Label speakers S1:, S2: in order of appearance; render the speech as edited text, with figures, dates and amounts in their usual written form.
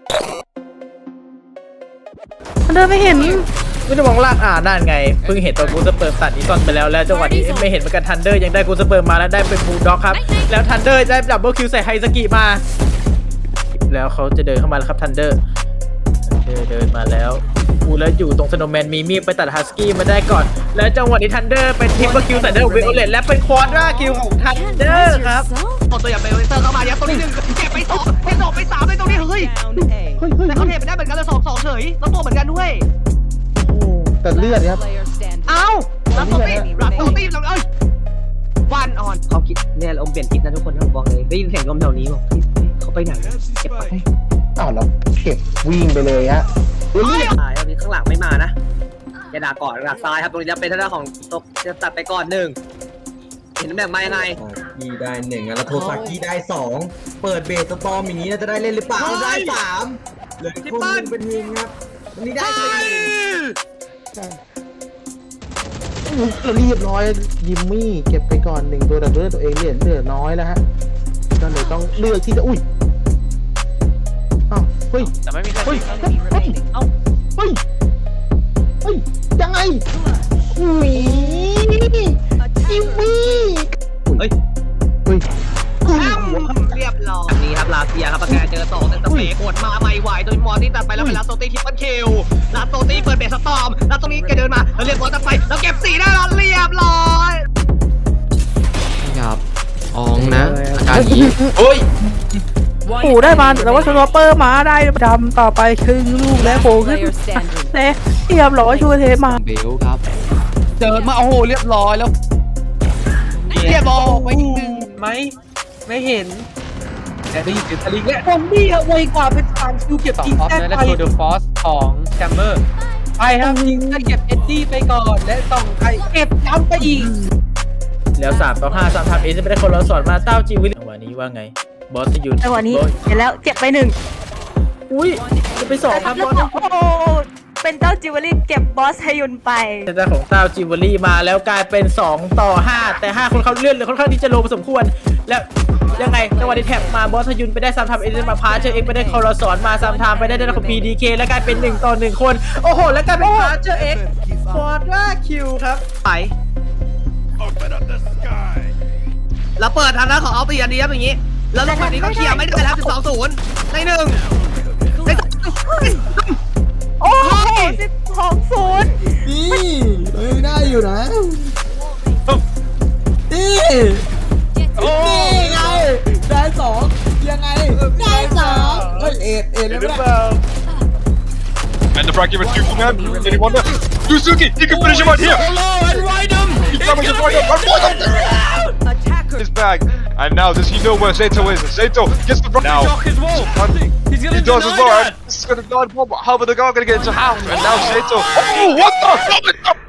S1: เดินไม่เห็น
S2: ไม่ได้มองล่างนั่นไงเพิ่งเห็นตัวกูสเปิร์มตัดอีซอนไปแล้วจังหวะนี้ไม่เห็นเหมือนกันทันเดอร์ยังได้กูสเปิร์มมาแล้วได้เป็นบูลด็อกครับแล้วทันเดอร์ได้ดับเบิลคิวใส่ไฮสกิมาแล้วเขาจะเดินเข้ามาแล้วครับทันเดอร์เดินมาแล้วแล้วอยู่ตรงสโนว์แมนมีมีดไปตัดฮัสกี้มาได้ก่อนแล้วจังหวะนี้ทันเดอร์เป็นทริปเปิลคิวใส่เดอร์วิโอเลตและเป็นควอดราคิวของทันเดอร์ครับ
S3: เอาตัวอย่างเบลเซอร์เข้ามายัดตรงนี้หนึ่งเก็บไปสองเก็บสองไปสามไปตรงนี้เฮ้ยแต่เขาเทไปได้เหมือนกันเลยสองเฉยแล้วตัวเหมือนกันด้วย
S4: แต่เลือดครับ
S3: เอ้ารับตัวตีเราเอ้ยวันออนเขาคิดเนี่ยลมเปลี่ยนทิศนะทุกคนครับบอกเลยได้ยินเสียงลมแถวนี้บอกเขาไปไหนเก็บไป
S4: อ้าวแล้วเก็บวิ่งไปเลยฮะ
S3: ตายตอนนี้ข้างหลังไม่มานะจะด่าก่อนหลักซ้ายครับตรงนี้จะเป็นทางด้านของตกจะตัดไปก่อนหนึ่งเห็นตำแหน่งมายังไง
S5: กีได้หนึ่งแล้วโทซากิได้สองเปิดเบสสตอมอย่างนี้จะได้เล่นหรือเปล่าได้สามเหลือที่บ้านเป็นวิงครับวันนี้ได้สี่
S4: เรียบร้อยยิมมี่เก็บไปก่อนหนึ่งตัวแต่เลือดตัวเองเหลือน้อยแล้วฮะก็เลยต้องเลือกที่จะอ้าวเฮ้ย
S2: แต่ไม่มีใคร
S4: เอ้าเฮ้ยยังไงอุ้ยจิมมี่
S3: เฮ้ยเรียบร้อยนี่ครับลาเซียครับประกาศเจอ2แต่สเปกดมาไม่ไหวโดยมอร์ตี้ตัดไปแล้วเป็นลาโซตี้ทิปเปิลคิวลาโซตี้เปิดเบสสตอมแล้วตรงนี้แกเดินมาแล้วเรียกบอลตัดไปแล้วเก็บ4ได้แล้วเรียบร้อย
S6: ครับอองนะอาการนี้โอ้ย
S1: ปู่ได้มาแต่ว่าสโนว์เปอร์มาได้ดำต่อไปครึ่งลูกแล้วโผล่ขึ้นแล้วเรียบร้อยชูเทมา
S6: เบลครับ
S2: เดินมาโอ้โหเรียบร้อยแล้วเรียบร้อยไว้อีกหนึ่งไหมไม่เห็นแต่ได้ยินเสียงทะลิงเนี่ย
S1: คนดีอะไวกว่าเป็น3 คิวเก็บจริงแท้ไป
S2: แล้วโคเดอร์ฟอสของแชมเบอร์ไปครับยิงได้เก็บเอ็ดดี้ไปก่อนและต้องใครเก็บย้ำไปอีกแล้ว3 ต่อ 5 3 ทำเอจะไม่ได้คนเราสอนมาเต้าจีวิลวันนี้ว่าไงบอสยูน
S1: จังหวะนี้เห็นแล้วเจ็บไป1
S2: อุ้ยจะไป2ครับบอส
S1: เป็นเต้าจิวเวลรี่เก็บบอสฮยุนไป
S2: แต่ของเต้าจิวเวลรี่มาแล้วกลายเป็น2 ต่อ 5แต่5คนเขาเลื่อนเลยค่อนข้างที่จะโลพอสมควรแล้วยังไงจังหวะที่แท็บมาบอสฮยุนไปได้3 ทำเอจะมาพาเจอเอ็กไปได้คอร์สอนมา3 ทำไปได้ด้านของ PDK แล้วกลายเป็น1 ต่อ 1คนโอ้โหแล้วกลายเป็นพาเจอเอ็กฟอร์ดราคิวครับไป
S3: แล้วเปิดทางด้านของเอาตีอันนี้ครับอย่างนี้แล้วลงแบบนี้ก็เคลียร์ไม่ได้แล้ว12-0ใน1
S1: โอ้โห12-0
S4: นี่ได้อยู่นะนี่ไงได้2ยังไงได้2เฮ้ยเอ็ดเลยนะ
S7: And the bracket was shooting him. Anyone left? Yusuke, you can finish him out here.
S2: And ride him.
S7: He's coming to ride him. His bag. And now does he know where Saito is? Saito gets the now. He does as well. This is gonna die. How are the guy gonna get into half? And now Saito. Oh, what the?